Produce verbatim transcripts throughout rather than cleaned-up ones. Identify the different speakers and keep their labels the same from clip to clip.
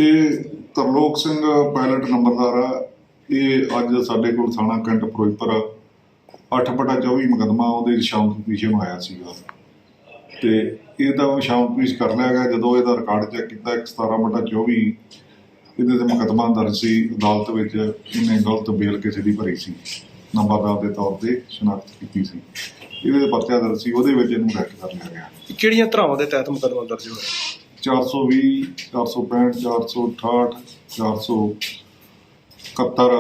Speaker 1: ਇਹ ਤਰਲੋਕ ਸਿੰਘ ਪਾਇਲਟ ਨੰਬਰਦਾਰ ਆ। ਇਹ ਅੱਜ ਸਾਡੇ ਕੋਲ ਥਾਣਾ ਕੈਂਟ ਫਿਰੋਜ਼ਪੁਰ ਅੱਠ ਬਟਾ ਚੌਵੀ ਮੁਕੱਦਮਾ ਉਹਦੇ ਸ਼ਾਮ ਪੀਸ਼ਨ ਆਇਆ ਸੀਗਾ ਤੇ ਇਹਦਾ ਸ਼ਾਮ ਪੀਸ਼ ਕਰ ਲਿਆ ਗਿਆ। ਜਦੋਂ ਇਹਦਾ ਰਿਕਾਰਡ ਚੈੱਕ ਕੀਤਾ ਇੱਕ ਸਤਾਰਾਂ ਬਟਾ ਚੌਵੀ ਇਹਦੇ ਤੇ ਮੁਕੱਦਮਾ ਦਰਜ ਸੀ ਅਦਾਲਤ ਵਿੱਚ। ਇਹਨੇ ਗਲਤ ਬੇਲ ਕਿਸੇ ਦੀ ਭਰੀ ਸੀ, ਨੰਬਰਦਾਰ ਦੇ ਤੌਰ ਤੇ ਸ਼ਨਾਖਤ ਕੀਤੀ ਸੀ। ਇਹਦੇ ਤੇ ਪਰਚਾ ਦਰਜ ਸੀ, ਉਹਦੇ ਵਿੱਚ ਇਹਨੂੰ ਅਰੈਸਟ ਕਰ ਲਿਆ ਗਿਆ।
Speaker 2: ਕਿਹੜੀਆਂ ਧਾਰਾਵਾਂ ਦੇ ਤਹਿਤ ਮੁਕੱਦਮਾ ਦਰਜ ਹੋਇਆ?
Speaker 1: ਚਾਰ ਸੌ ਵੀਹ, ਚਾਰ ਸੌ ਪੈਂਹਠ, ਚਾਰ ਸੌ ਅਠਾਹਠ, ਚਾਰ ਸੌ ਇਕਹੱਤਰ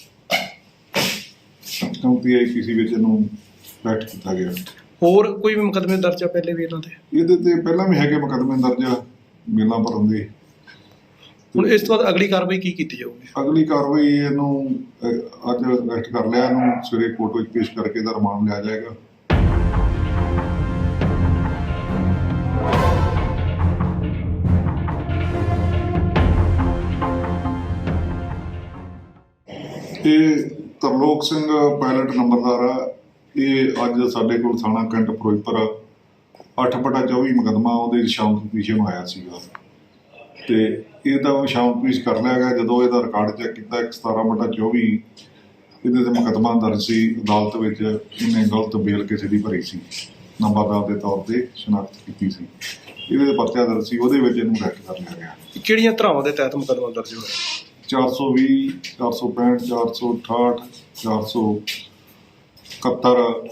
Speaker 1: ਚੌਂਤੀ ਆਈ ਪੀ ਸੀ ਵਿੱਚ ਇਹਨੂੰ ਅਰੈਸਟ ਕੀਤਾ ਗਿਆ।
Speaker 2: ਹੋਰ ਕੋਈ ਵੀ ਮੁਕੱਦਮੇ ਦਰਜ ਆ ਪਹਿਲੇ ਵੀ ਇਹਨਾਂ ਦੇ?
Speaker 1: ਇਹਦੇ ਤੇ ਪਹਿਲਾਂ ਵੀ ਹੈਗੇ ਮੁਕੱਦਮੇ ਦਰਜ ਬੇਲਾਂ ਭਰਨ ਦੇ।
Speaker 2: ਹੁਣ ਇਸ ਤੋਂ ਬਾਅਦ ਅਗਲੀ ਕਾਰਵਾਈ ਕੀ ਕੀਤੀ ਜਾਊਗੀ?
Speaker 1: ਅਗਲੀ ਕਾਰਵਾਈ ਇਹਨੂੰ ਅਹ, ਅੱਜ ਅਰੈਸਟ ਕਰ ਲਿਆ। ਇਹਨੂੰ ਸਵੇਰੇ ਕੋਰਟ ਵਿੱਚ ਪੇਸ਼ ਕਰਕੇ ਇਹਦਾ ਰਿਮਾਂਡ ਲਿਆ ਜਾਏਗਾ। ਇਹ ਤਰਲੋਕ ਸਿੰਘ ਪਾਇਲਟ ਨੰਬਰਦਾਰ ਆ। ਇਹ ਅੱਜ ਸਾਡੇ ਕੋਲ ਥਾਣਾ ਕੈਂਟ ਫਿਰੋਜ਼ਪੁਰ ਅੱਠ ਬਟਾ ਚੌਵੀ ਮੁਕੱਦਮਾ ਉਹਦੇ ਸ਼ਾਮ ਪੀਸ਼ਨ ਆਇਆ ਸੀਗਾ ਤੇ ਇਹਦਾ ਸ਼ਾਮ ਪੀਸ਼ ਕਰ ਲਿਆ ਗਿਆ। ਜਦੋਂ ਇਹਦਾ ਰਿਕਾਰਡ ਚੈੱਕ ਕੀਤਾ ਇੱਕ ਸਤਾਰਾਂ ਬਟਾ ਚੌਵੀ ਇਹਦੇ ਤੇ ਮੁਕੱਦਮਾ ਦਰਜ ਸੀ ਅਦਾਲਤ ਵਿੱਚ। ਇਹਨੇ ਗਲਤ ਬੇਲ ਕਿਸੇ ਦੀ ਭਰੀ ਸੀ, ਨੰਬਰਦਾਰ ਦੇ ਤੌਰ ਤੇ ਸ਼ਨਾਖਤ ਕੀਤੀ ਸੀ। ਇਹਦੇ ਤੇ ਪਰਚਾ ਦਰਜ ਸੀ, ਉਹਦੇ ਵਿੱਚ ਇਹਨੂੰ ਅਰੈਸਟ ਕਰ ਲਿਆ ਗਿਆ।
Speaker 2: ਕਿਹੜੀਆਂ ਧਾਰਾਵਾਂ ਦੇ ਤਹਿਤ ਮੁਕੱਦਮਾ ਦਰਜ ਹੋਇਆ?
Speaker 1: ਚਾਰ ਸੌ ਵੀਹ, ਚਾਰ ਸੌ ਪੈਂਹਠ, ਚਾਰ ਸੌ ਅਠਾਹਠ, ਚਾਰ ਸੌ ਇਕਹੱਤਰ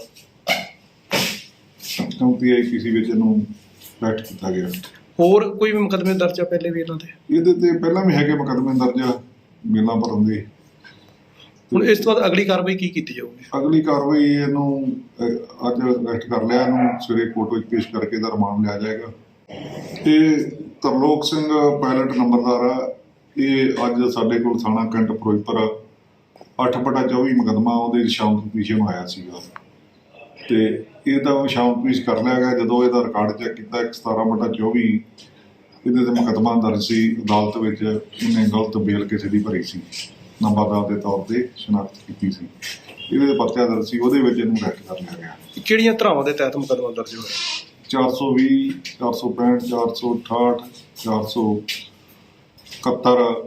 Speaker 1: ਚੌਂਤੀ ਆਈ ਪੀ ਸੀ ਵਿੱਚ ਇਹਨੂੰ ਅਰੈਸਟ ਕੀਤਾ ਗਿਆ।
Speaker 2: ਹੋਰ ਕੋਈ ਵੀ ਮੁਕੱਦਮੇ ਦਰਜ ਆ ਪਹਿਲੇ ਵੀ ਇਹਨਾਂ ਦੇ?
Speaker 1: ਇਹਦੇ ਤੇ ਪਹਿਲਾਂ ਵੀ ਹੈਗੇ ਮੁਕੱਦਮੇ ਦਰਜ ਬੇਲਾਂ ਭਰਨ ਦੇ।
Speaker 2: ਹੁਣ ਇਸ ਤੋਂ ਬਾਅਦ ਅਗਲੀ ਕਾਰਵਾਈ ਕੀ ਕੀਤੀ ਜਾਊਗੀ?
Speaker 1: ਅਗਲੀ ਕਾਰਵਾਈ ਇਹਨੂੰ ਅਹ, ਅੱਜ ਅਰੈਸਟ ਕਰ ਲਿਆ। ਇਹਨੂੰ ਸਵੇਰੇ ਕੋਰਟ ਵਿੱਚ ਪੇਸ਼ ਕਰਕੇ ਇਹਦਾ ਰਿਮਾਂਡ ਲਿਆ ਜਾਏਗਾ। ਇਹ ਤਰਲੋਕ ਸਿੰਘ ਪਾਇਲਟ ਨੰਬਰਦਾਰ ਆ। ਇਹ ਅੱਜ ਸਾਡੇ ਕੋਲ ਥਾਣਾ ਕੈਂਟ ਫਿਰੋਜ਼ਪੁਰ ਅੱਠ ਬਟਾ ਚੌਵੀ ਮੁਕੱਦਮਾ ਉਹਦੇ ਸ਼ਾਮ ਪੀਸ਼ਨ ਆਇਆ ਸੀਗਾ ਤੇ ਇਹਦਾ ਸ਼ਾਮ ਪੀਸ਼ ਕਰ ਲਿਆ ਗਿਆ। ਜਦੋਂ ਇਹਦਾ ਰਿਕਾਰਡ ਚੈੱਕ ਕੀਤਾ ਇੱਕ ਸਤਾਰਾਂ ਬਟਾ ਚੌਵੀ ਇਹਦੇ ਤੇ ਮੁਕੱਦਮਾ ਦਰਜ ਸੀ ਅਦਾਲਤ ਵਿੱਚ। ਇਹਨੇ ਗਲਤ ਬੇਲ ਕਿਸੇ ਦੀ ਭਰੀ ਸੀ, ਨੰਬਰਦਾਰ ਦੇ ਤੌਰ ਤੇ ਸ਼ਨਾਖਤ ਕੀਤੀ ਸੀ। ਇਹਦੇ ਤੇ ਪਰਚਾ ਦਰਜ ਸੀ, ਉਹਦੇ ਵਿੱਚ ਇਹਨੂੰ ਅਰੈਸਟ ਕਰ ਲਿਆ ਗਿਆ।
Speaker 2: ਕਿਹੜੀਆਂ ਧਾਰਾਵਾਂ ਦੇ ਤਹਿਤ ਮੁਕੱਦਮਾ ਦਰਜ ਹੋਇਆ?
Speaker 1: ਚਾਰ ਸੌ ਵੀਹ, ਚਾਰ ਸੌ ਪੈਂਹਠ, ਚਾਰ ਸੌ ਅਠਾਹਠ, ਚਾਰ ਸੌ ਇਕਹੱਤਰ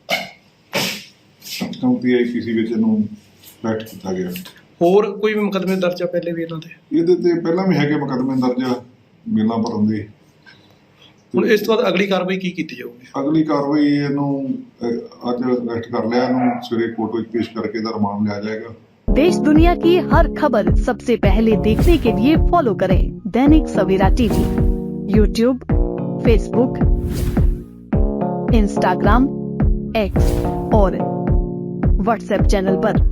Speaker 1: ਚੌਂਤੀ ਆਈ ਪੀ ਸੀ ਵਿੱਚ ਇਹਨੂੰ ਅਰੈਸਟ ਕੀਤਾ ਗਿਆ।
Speaker 2: ਹੋਰ ਕੋਈ ਵੀ ਮੁਕੱਦਮੇ ਦਰਜ ਆ ਪਹਿਲੇ ਵੀ ਇਹਨਾਂ ਦੇ?
Speaker 1: ਇਹਦੇ ਤੇ ਪਹਿਲਾਂ ਵੀ ਹੈਗੇ ਮੁਕੱਦਮੇ ਦਰਜ ਬੇਲਾਂ ਭਰਨ ਦੇ।
Speaker 2: ਹੁਣ ਇਸ ਤੋਂ ਬਾਅਦ ਅਗਲੀ ਕਾਰਵਾਈ ਕੀ ਕੀਤੀ ਜਾਊਗੀ?
Speaker 1: ਅਗਲੀ ਕਾਰਵਾਈ ਇਹਨੂੰ ਅਹ, ਅੱਜ ਅਰੈਸਟ ਕਰ ਲਿਆ। ਇਹਨੂੰ ਸਵੇਰੇ ਕੋਰਟ ਵਿੱਚ ਪੇਸ਼ ਕਰਕੇ ਇਹਦਾ ਰਿਮਾਂਡ ਲਿਆ ਜਾਏਗਾ।
Speaker 3: देश दुनिया की हर खबर सबसे पहले देखने के लिए फॉलो करें Dainik Savera TV, YouTube, Facebook, Instagram, X और व्हाट्सएप चैनल पर।